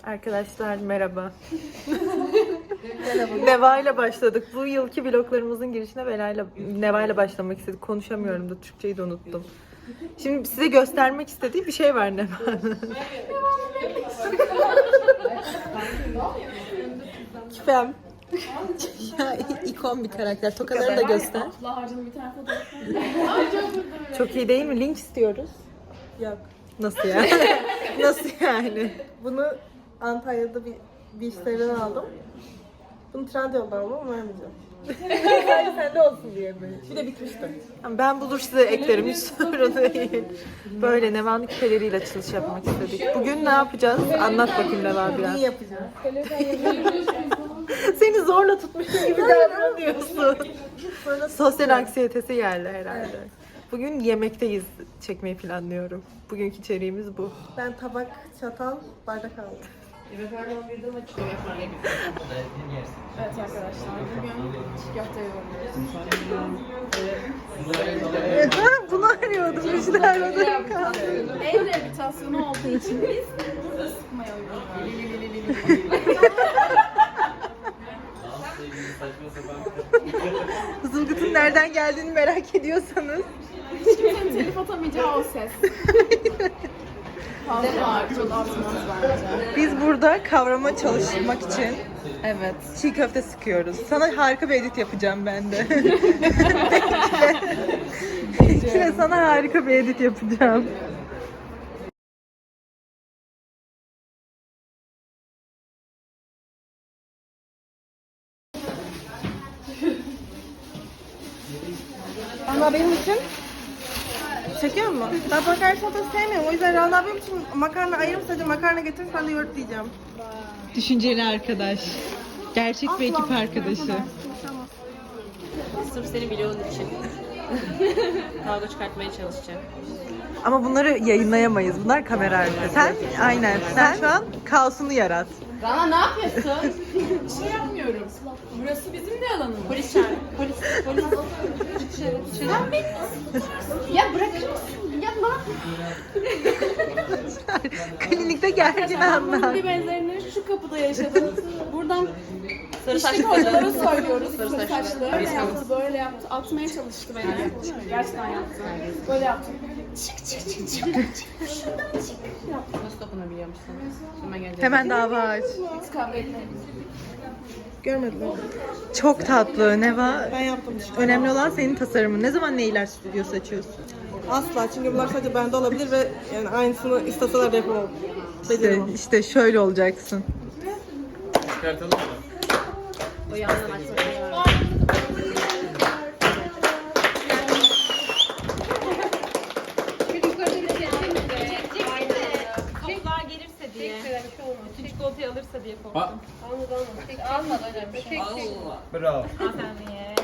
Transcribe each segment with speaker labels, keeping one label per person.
Speaker 1: Arkadaşlar merhaba. Neva ile başladık. Bu yılki vloglarımızın girişine Neva ile başlamak istedik. Konuşamıyorum da Türkçeyi de unuttum. Şimdi size göstermek istediği bir şey var Neva'nın. Küpem. Ya ikon bir karakter. Tokaları da göster. Çok iyi değil mi? Link istiyoruz.
Speaker 2: Yok.
Speaker 1: Nasıl ya? Nasıl yani?
Speaker 2: Bunu Antalya'da bir işlerden aldım. Bunu Trendyol'dan aldım ama vermeyeceğim. Sadece sende olsun diye böyle. Bir de bitmişti.
Speaker 1: Ben bulur size eklerim, hiç sorun değil. Böyle Neva'nın küpeleriyle açılış yapmak istedik. Bugün ne yapacağız? Anlat bakayım Neva biraz.
Speaker 2: İyi yapacağız.
Speaker 1: Seni zorla tutmuşum gibi davranıyorsun. Sosyal anksiyetesi geldi herhalde. Bugün yemekteyiz çekmeyi planlıyorum. Bugünkü içeriğimiz bu.
Speaker 2: Ben tabak, çatal, bardak aldım.
Speaker 3: Evet arkadaşlar, bugün çiğ köfte yoğuruyoruz.
Speaker 1: Bunu arıyordum. İşte aradım kaldı.
Speaker 3: El rehabilitasyonu olduğu için biz burada sıkmaya uyguluyoruz.
Speaker 1: Zılgıt'ın nereden geldiğini merak ediyorsanız.
Speaker 3: Hiç kimsenin telif atamayacağı o ses. Fazla bağırtılı atmaz bence.
Speaker 1: Biz burada kavrama çalışmak için çiğ köfte sıkıyoruz. Sana harika bir edit yapacağım ben de. Bekle sana harika bir edit yapacağım.
Speaker 2: Ama benim için çekiyor mu? Ben makarna salatası sevmiyorum. O yüzden Rana benim için makarna ayırıp sadece makarna getirip ben de yoğurt diyeceğim.
Speaker 1: Düşünceli arkadaş. Gerçek bir ekip arkadaşı.
Speaker 4: Sırf seni vlogun için. Kavga çıkartmaya çalışacağım.
Speaker 1: Ama bunları yayınlayamayız. Bunlar kamera arkası. Sen aynen. Sen şu an kaosunu yarat.
Speaker 3: Rana ne yapıyorsun? Bir şey yapmıyorum. Burası bizim de alanımız.
Speaker 4: Polis çağır. Polis.
Speaker 3: Sen beni ya bırakır mısın? Ya ne
Speaker 1: Klinikte gergin anlar.
Speaker 3: bunun bir benzerini şu kapıda yaşadım. Buradan
Speaker 4: Sarı
Speaker 3: İşte
Speaker 4: saçlı
Speaker 3: kocaları
Speaker 4: kadın.
Speaker 3: söylüyoruz.
Speaker 4: Sarı
Speaker 3: Sarı
Speaker 4: saçlı.
Speaker 3: saçlı. Öyle yaptı, böyle yaptı. Atmaya çalıştı beni. Gerçekten yaptı. Böyle yaptı.
Speaker 4: Nasıl dokunabiliyormuşsun? Hemen geleceğim.
Speaker 1: Hemen dava aç.
Speaker 3: Hiç kavga etmedik.
Speaker 2: Görmediler.
Speaker 1: Çok tatlı. Neva.
Speaker 2: Ben yaptım işte.
Speaker 1: Önemli olan senin tasarımın. Ne zaman Neyler Stüdyosu açıyorsun?
Speaker 2: Asla. Çünkü bunlar sadece bende olabilir ve yani aynısını isteseler de yapamam. Beceremem.
Speaker 1: İşte şöyle olacaksın.
Speaker 4: O yandan açmak. Kapılar gelirse diye. Bütün çikolatayı alırsa diye korktum. Almadı hocam.
Speaker 5: Bravo.
Speaker 4: Hanımefendiye.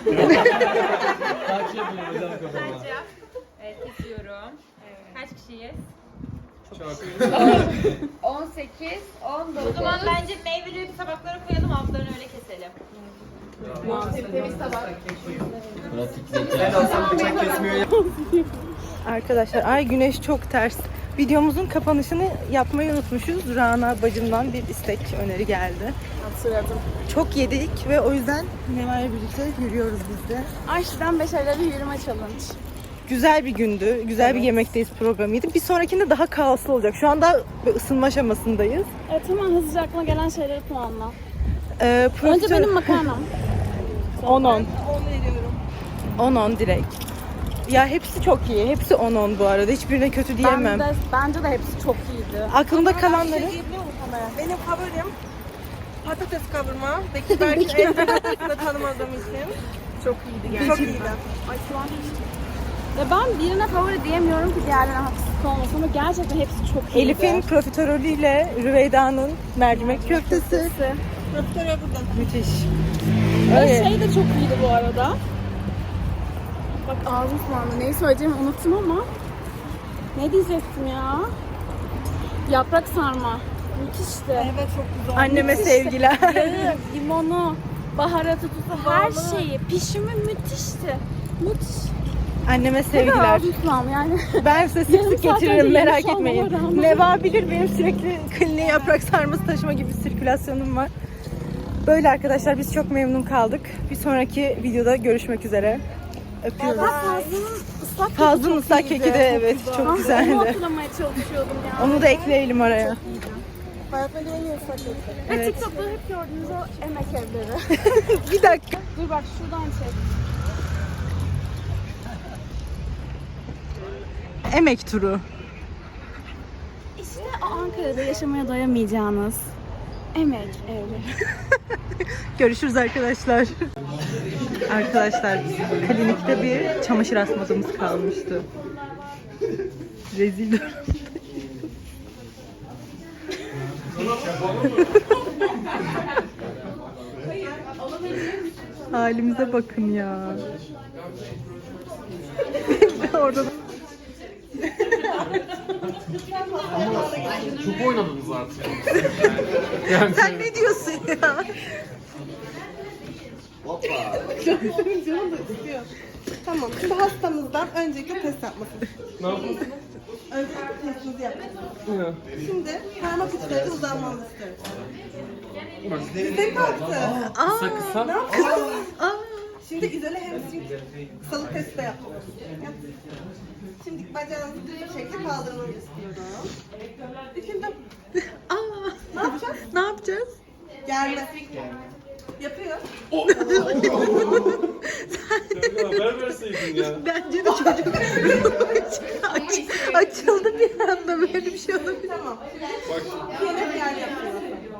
Speaker 5: Kaç yapıyor hocam kafama?
Speaker 4: Kaç yap? Evet, kesiyorum. Kaç kişiyiz?
Speaker 5: Çok.
Speaker 3: 18, 19.
Speaker 4: O zaman bence meyveleri tabaklara koyalım, altlarını öyle keselim.
Speaker 3: Temiz tabak.
Speaker 5: Ben olsam bıçak kesmiyor.
Speaker 1: Arkadaşlar ay güneş çok ters. Videomuzun kapanışını yapmayı unutmuşuz. Rana bacımdan bir istek öneri geldi.
Speaker 3: Hatırladım.
Speaker 1: Çok yedik ve o yüzden Neva'yla birlikte yürüyoruz biz de.
Speaker 3: Ayşe'den 5 ayda bir yürüme challenge.
Speaker 1: Güzel bir gündü. Güzel bir yemekteyiz programıydı. Bir sonrakinde daha kaoslu olacak. Şu anda bir ısınma aşamasındayız.
Speaker 3: Evet hemen hızlıca aklıma gelen şeyleri puanla.
Speaker 1: Profesör...
Speaker 3: Önce benim makarnam.
Speaker 1: 10-10. 10-10 direkt. Ya hepsi çok iyi. Hepsi 10-10 bu arada. Hiçbirine kötü diyemem.
Speaker 3: Bence de hepsi çok iyiydi.
Speaker 1: Aklımda kalanları...
Speaker 2: Benim favorim patates kavurma. Belki en patatesini tanımadığım için.
Speaker 1: Çok iyiydi
Speaker 2: Çok iyiydi.
Speaker 3: Ay şu an ya ben birine favori diyemiyorum ki diğerlerine haksızlık olmasın ama gerçekten hepsi çok iyiydi.
Speaker 1: Elif'in profiterolüyle Rüveyda'nın mercimek köftesi.
Speaker 2: Profiterol burada.
Speaker 1: Müthiş.
Speaker 3: Ve
Speaker 1: Öyle.
Speaker 3: şey de çok iyiydi bu arada. Bak ağzım sulandı. Neyi söyleyeceğimi unuttum ama. Ne diyecektim ya? Yaprak sarma. Müthişti.
Speaker 2: Evet çok güzel.
Speaker 1: Anneme sevgiler.
Speaker 3: Yağı, limonu, baharatı, tuzu, her şeyi. Pişimi müthişti. Müthiş.
Speaker 1: Anneme sevgiler.
Speaker 3: Tamam yani.
Speaker 1: Ben size sık
Speaker 3: Yarım
Speaker 1: sık
Speaker 3: saat
Speaker 1: getiririm,
Speaker 3: önce
Speaker 1: merak
Speaker 3: gelmiş
Speaker 1: etmeyin.
Speaker 3: olmama rağmen.
Speaker 1: Neva bilir, benim sürekli kliniğe yaprak sarması taşıma gibi bir sirkülasyonum var. Böyle arkadaşlar, biz çok memnun kaldık. Bir sonraki videoda görüşmek üzere. Öpüyoruz. Fazlının ıslak keki de evet çok
Speaker 3: Onu
Speaker 1: güzeldi.
Speaker 3: hatırlamaya çalışıyordum ya.
Speaker 1: Onu da ekleyelim oraya.
Speaker 2: Hayatımda en iyi ıslak kek.
Speaker 3: Ve TikTok'ta hep gördüğünüz o emek evleri.
Speaker 1: Bir dakika.
Speaker 3: Dur bak şuradan çek.
Speaker 1: Emek turu.
Speaker 3: İşte o Ankara'da yaşamaya doyamayacağınız emek evleri.
Speaker 1: Görüşürüz arkadaşlar. Arkadaşlar klinikte bir çamaşır asmadığımız kalmıştı. Rezil durum. Halimize bakın ya. Orada
Speaker 5: Çok oynadınız artık.
Speaker 1: sen ne diyorsun ya?
Speaker 2: Tamam. Şimdi hastamızdan öncelikle test yapmasını.
Speaker 5: Ne yapıyorsun?
Speaker 2: Öncelikle testinizi yapacağız. Şimdi parmak uçları uzanmanızı istiyorum. Size kalktı.
Speaker 5: Kısa kısa.
Speaker 2: Şimdi izole hamstring kısalık testi de yapıyoruz. Şimdi bacağınızı düz bir şekilde kaldırmanızı istiyorum. Şimdi ne yapacağız?
Speaker 1: Ne yapacağız?
Speaker 2: Germe. Yapıyor.
Speaker 5: Haber verseydin ya.
Speaker 1: Bence de çocuk açıldı bir anda, böyle bir şey olabilir.
Speaker 2: Tamam. Yemek yer yapıyor.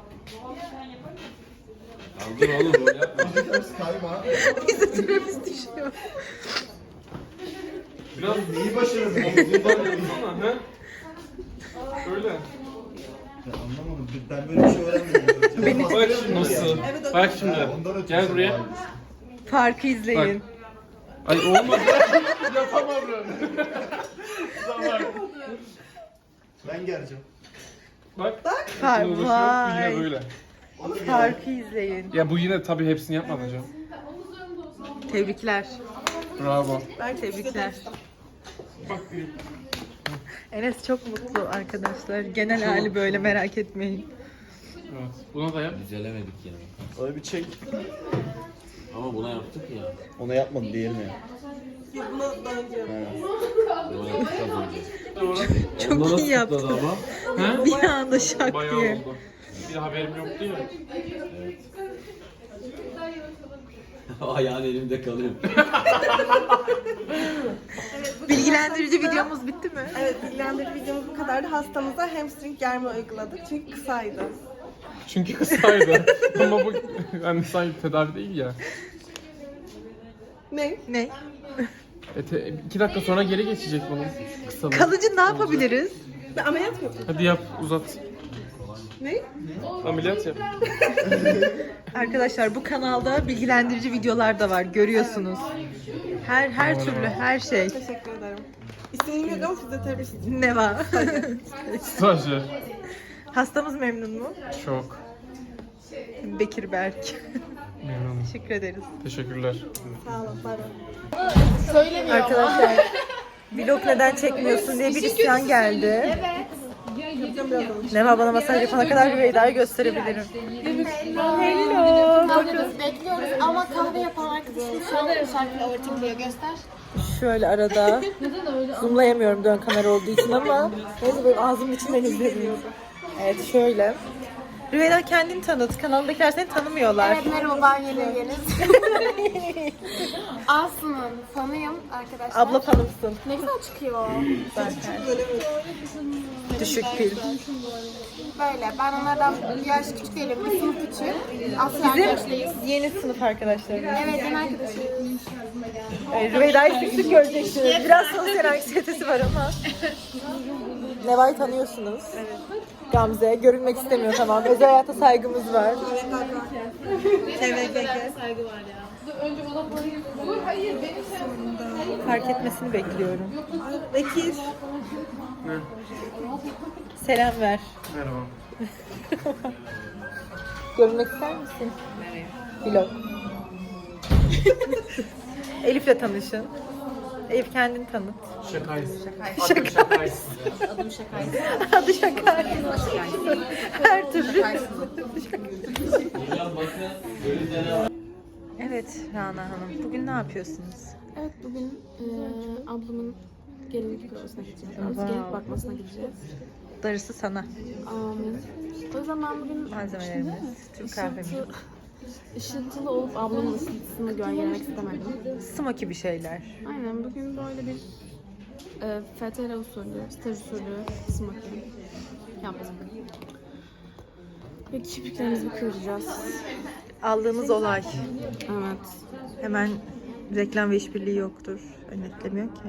Speaker 5: Dur oğlum o yapma.
Speaker 1: Bize süremiz düşüyor.
Speaker 5: Biraz neyi başarırdın? Omuzundan yapsana he? Öyle.
Speaker 6: Anlamadım. Ben böyle bir şey öğrenmedim.
Speaker 5: Bak şimdi nasıl? Bak şimdi. Gel buraya.
Speaker 1: Farkı izleyin.
Speaker 5: Ay olmadı. Yapamadım. Tamam.
Speaker 6: Ben geleceğim.
Speaker 5: Bak.
Speaker 1: Fark,
Speaker 5: Yine
Speaker 1: vay.
Speaker 5: böyle.
Speaker 1: Farkı izleyin.
Speaker 5: Ya bu yine tabii hepsini yapmadı hocam.
Speaker 1: Tebrikler.
Speaker 5: Bravo.
Speaker 1: Tebrikler. Enes çok mutlu arkadaşlar. Genel hali böyle, merak etmeyin.
Speaker 5: Evet. Buna da yap.
Speaker 7: Düzelemedik yani.
Speaker 6: Öyle bir çek.
Speaker 7: Ama buna yaptık ya.
Speaker 6: Ona yapmadım diğerine.
Speaker 2: Bunu daha önce
Speaker 7: Buna yaptık az önce.
Speaker 5: Doğru.
Speaker 1: Çok iyi yaptın.
Speaker 5: Ama. He?
Speaker 1: Bir anda şak
Speaker 5: Bayağı
Speaker 1: diye.
Speaker 5: oldu. Bir haberim yoktu ya.
Speaker 7: Ayağın elimde kalıyor.
Speaker 1: Bilgilendirici videomuz bitti mi?
Speaker 2: Evet, bilgilendirici videomuz bu kadardı. Hastamıza hamstring germe uyguladık çünkü kısaydı.
Speaker 5: Çünkü kısaydı. Ama bu yani sanki tedavi değil ya.
Speaker 2: Ne?
Speaker 1: Ne?
Speaker 5: 2 dakika sonra geri geçecek bunun kısalığı.
Speaker 1: Kalıcı ne yapabiliriz?
Speaker 2: Bir ameliyat mı yapacağız?
Speaker 5: Hadi yap uzat.
Speaker 2: Ne?
Speaker 5: Ameliyat yap.
Speaker 1: Arkadaşlar bu kanalda bilgilendirici videolar da var, görüyorsunuz. Her türlü her şey.
Speaker 2: Teşekkür ederim. İsmini bilmiyorum, fizyoterapist.
Speaker 1: Ne var?
Speaker 5: Stajyer.
Speaker 1: Hastamız memnun mu?
Speaker 5: Çok.
Speaker 1: Bekir Berk.
Speaker 5: Memnunum.
Speaker 1: Teşekkür ederiz.
Speaker 5: Teşekkürler.
Speaker 2: Sağ olun, bay bay.
Speaker 1: Arkadaşlar vlog neden çekmiyorsun diye bir isyan geldi. Neva bana masaj yapana kadar Rüveyda'yı gösterebilirim. Hello.
Speaker 8: Bekliyoruz ama kahve yapan arkadaşım şu an şarkıyla overthinkliyor. Göster.
Speaker 1: Şöyle arada zoomlayamıyorum dön kamera olduğu için ama neyse böyle ağzımın içinden izleniyor. Evet şöyle. Rüveyda kendini tanıt. Kanaldakiler seni tanımıyorlar.
Speaker 8: Evet merhaba ben Yeniz. Aslı'nın fanıyım arkadaşlar.
Speaker 1: Abla fanımsın.
Speaker 8: Ne güzel çıkıyor.
Speaker 1: Zaten. Düşük pil.
Speaker 8: Böyle ben onlardan bir yaş küçük değilim. Bir sınıf küçük. Aslı arkadaşlıyız.
Speaker 1: Bizim yeni sınıf arkadaşlarımız.
Speaker 8: Evet yeni arkadaşıyız.
Speaker 1: Rüveyda'yı sık sık göreceksiniz. Biraz sosyal anksiyetesi var ama. Neva'yı tanıyorsunuz. Gamze. Görünmek istemiyor, tamam. Özel hayata saygımız var. Fark etmesini bekliyorum.
Speaker 2: Bekir.
Speaker 1: Selam ver.
Speaker 5: Merhaba.
Speaker 1: Görünmek ister misin? Vlog. Elif'le tanışın. Eyüp kendini tanıt.
Speaker 5: Şakayız. Adım şakayız.
Speaker 1: Adı Şakay. Her türlü. Evet Rana Hanım, bugün ne yapıyorsunuz?
Speaker 3: Evet bugün ablamın gelinlik bürosuna gideceğiz. Gelinlik bakmasına gideceğiz.
Speaker 1: Darısı sana.
Speaker 3: O yüzden ben bugün
Speaker 1: Malzemelerimiz, Türk kahvemiz.
Speaker 3: ışıltılı olup ablamın ışıltısını gölgelemek istemedim.
Speaker 1: Smoky bir şeyler.
Speaker 3: Aynen bugün böyle bir FTR usulü, staj usulü smoking yaptık. Ve kirpiklerimizi kıracağız.
Speaker 1: Aldığımız olay.
Speaker 3: Evet.
Speaker 1: Hemen reklam ve işbirliği yoktur. Önetlemiyor ki.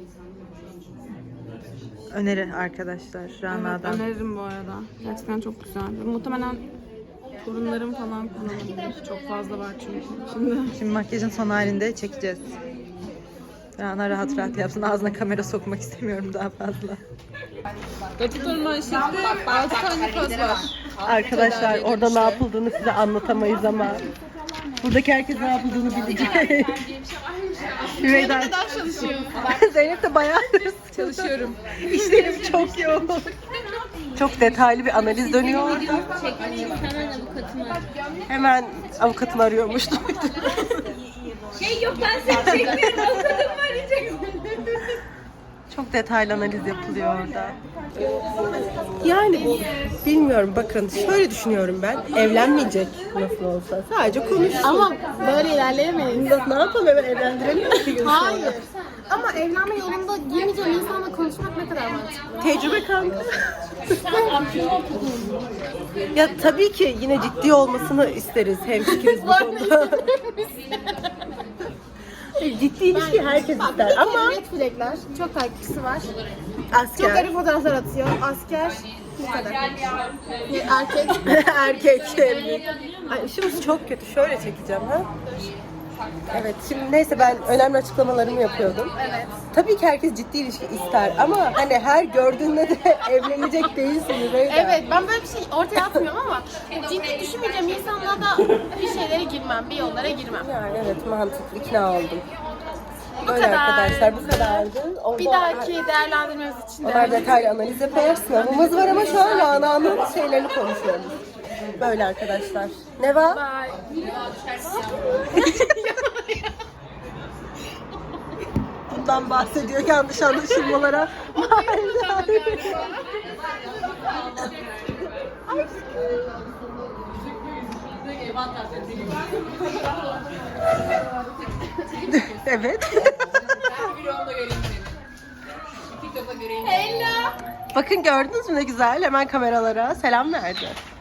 Speaker 1: Öneri arkadaşlar
Speaker 3: Evet,
Speaker 1: Rana'dan.
Speaker 3: öneririm bu arada. Gerçekten çok güzel. Muhtemelen torunlarım falan kullanabilir. Çok fazla var çünkü.
Speaker 1: Şimdi makyajın son halinde çekeceğiz. Rana rahat rahat yapsın. Ağzına kamera sokmak istemiyorum daha fazla.
Speaker 4: Doktor manşette 6 tane poz var.
Speaker 2: Arkadaşlar orada ne yapıldığını size anlatamayız ama buradaki herkes ne yapıldığını bilecek. Hüveyda
Speaker 3: çalışıyor.
Speaker 2: Zeynep de bayağıdır
Speaker 4: Çalışıyorum.
Speaker 2: işlerim çok yoğun. Çok detaylı bir analiz dönüyor orada.
Speaker 3: Hemen avukatım var.
Speaker 2: Hemen avukatını arıyormuş.
Speaker 3: Yok ben seni çekmiyorum. Avukatım var diyeceksin.
Speaker 2: Çok detaylı analiz yapılıyor orada. Yani bilmiyorum, bakın şöyle düşünüyorum ben. Evlenmeyecek nasıl olsa. Sadece konuşsun.
Speaker 3: Ama böyle ilerleyemeyiz.
Speaker 2: Ne yapalım, hemen evlendirelim mi bir gün sonra?
Speaker 8: Hayır. Ama evlenme yolunda girmeyeceğim insanla konuşmak ne kadar mantıklı.
Speaker 2: Tecrübe kanka. Ya tabii ki yine ciddi olmasını isteriz. Hemfikiriz bu konuda. Ciddi ilişki herkes ister ama
Speaker 8: Red flagler. Çok takipçisi var.
Speaker 2: asker.
Speaker 8: Çok garip fotoğraflar atıyor. Asker. Bu kadar. Erkek.
Speaker 2: Erkek. Ay, işimiz çok kötü. Şöyle çekeceğim ha. Evet, şimdi neyse ben önemli açıklamalarımı yapıyordum.
Speaker 8: Evet.
Speaker 2: Tabii ki herkes ciddi ilişki ister ama hani her gördüğünde de evlenecek değilsin Reyda.
Speaker 8: Evet, ben böyle bir şey ortaya atmıyorum ama ciddi düşünmeyeceğim insanla da bir şeylere girmem, bir yollara girmem.
Speaker 2: Yani evet, mantıklı, ikna oldum.
Speaker 8: Bu
Speaker 2: Böyle
Speaker 8: kadar.
Speaker 2: arkadaşlar, bu kadardı. Orada
Speaker 8: Bir dahaki değerlendirmemiz için
Speaker 2: onlar
Speaker 8: de
Speaker 2: detaylı analiz yapar. Sınavımız var ama şu an Rana'nın şeylerini konuşuyoruz. Böyle arkadaşlar. Ne var? Bundan bahsediyor, yanlış anlaşılmalara. Evet. Bakın gördünüz mü ne güzel, hemen kameralara selam verdi.